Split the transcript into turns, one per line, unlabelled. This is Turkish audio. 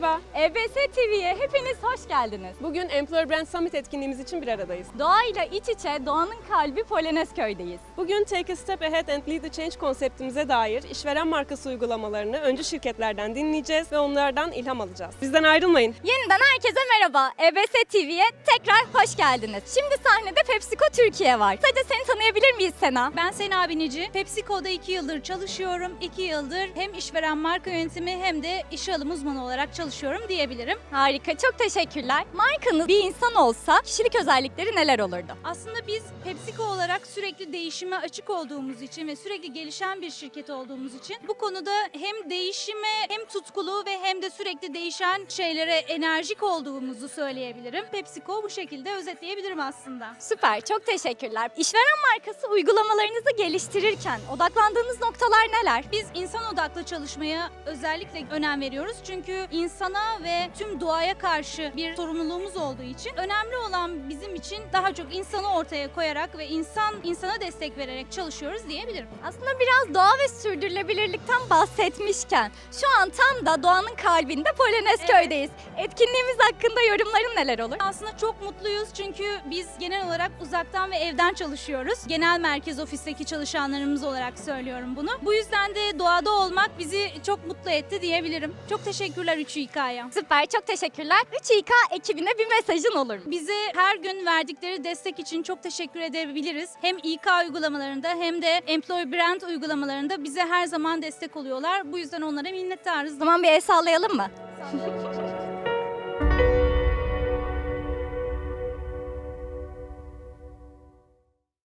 Merhaba.
EBS TV'ye hepiniz hoş geldiniz.
Bugün Employer Brand Summit etkinliğimiz için bir aradayız.
Doğayla iç içe, doğanın kalbi Polonezköy'deyiz.
Bugün Take a Step Ahead and Lead the Change konseptimize dair işveren markası uygulamalarını öncü şirketlerden dinleyeceğiz ve onlardan ilham alacağız. Bizden ayrılmayın.
Yeniden herkese merhaba. EBS TV'ye tekrar hoş geldiniz. Şimdi sahnede PepsiCo Türkiye var. Sadece seni tanıyabilir miyiz Sena?
Ben Sena Binici. PepsiCo'da 2 yıldır çalışıyorum. 2 yıldır hem işveren marka yönetimi hem de işe alım uzmanı olarak çalışıyorum diyebilirim.
Harika, çok teşekkürler. Markanız bir insan olsa kişilik özellikleri neler olurdu?
Aslında biz PepsiCo olarak sürekli değişime açık olduğumuz için ve sürekli gelişen bir şirket olduğumuz için bu konuda hem değişime hem tutkulu ve hem de sürekli değişen şeylere enerjik olduğumuzu söyleyebilirim. PepsiCo bu şekilde özetleyebilirim aslında.
Süper, çok teşekkürler. İşveren markası uygulamalarınızı geliştirirken odaklandığınız noktalar neler?
Biz insan odaklı çalışmaya özellikle önem veriyoruz. Çünkü insana ve tüm doğaya karşı bir sorumluluğumuz olduğu için önemli olan bizim için daha çok insanı ortaya koyarak ve insana destek vererek çalışıyoruz diyebilirim.
Aslında biraz doğa ve sürdürülebilirlikten bahsetmişken şu an tam da doğanın kalbinde Polonezköy'deyiz. Etkinliğimiz hakkında yorumların neler olur?
Aslında çok mutluyuz çünkü biz genel olarak uzaktan ve evden çalışıyoruz. Genel merkez ofisteki çalışanlarımız olarak söylüyorum bunu. Bu yüzden de doğada olmak bizi çok mutlu etti diyebilirim. Çok teşekkürler 3İK'ya.
Süper, çok teşekkürler. 3İK ekibine bir mesajın olur mu?
Bize her gün verdikleri destek için çok teşekkür edebiliriz. Hem İK uygulamalarında hem de Employer Brand uygulamalarında bize her zaman destek oluyorlar. Bu yüzden onlara minnettarız.
O zaman bir el sallayalım mı?